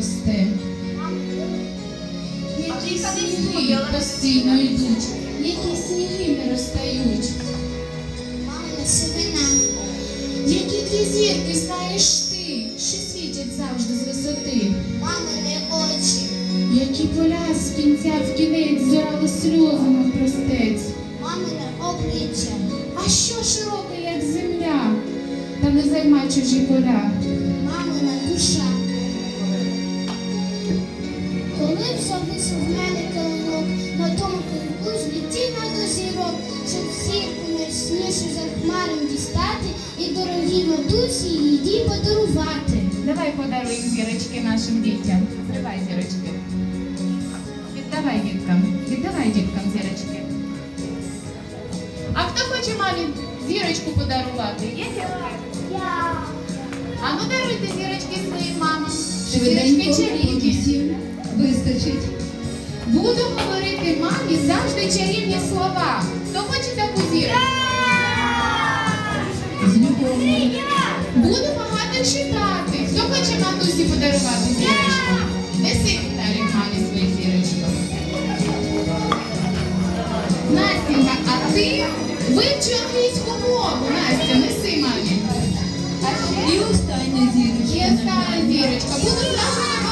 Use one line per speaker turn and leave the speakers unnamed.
росте. Які сніги постійно йдуть, які сніги не розстають.
Мамина сивина.
Які дві зірки знаєш ти, що світять завжди з висоти.
Мамини очі.
Які поля з кінця в кінець зорали сльози навпростець.
Мамине обличчя.
А що широке, як земля, та не займай чужі поля.
Мамина душа. Коли завис в мене килинок, на тому килинку злетіла до зірок, щоб зірку найснішу за хмаром дістати і дорогі матусі їй подарувати.
Давай подаруємо зірочки нашим дітям. Зривай зірочки. Віддавай діткам зірочки. А хто хоче мамі зірочку подарувати? Є зірки?
Я.
А ну даруйте зірочки своїм мамам.
Швиденько,
Зірочки чарівні.
всім вистачить.
Буду говорити мамі завжди чарівні слова. Хто хоче таку зірочку?
З любов'ю.
Буду багато читати. Хто хоче матусі подарувати зірочку? Неси, Віталій, мамі свою зірочку. Настенька, а ти вивчи англійську мову. Настя, неси мамі. А ще
І остання зірочка.
є стара зірочка. Буду завжди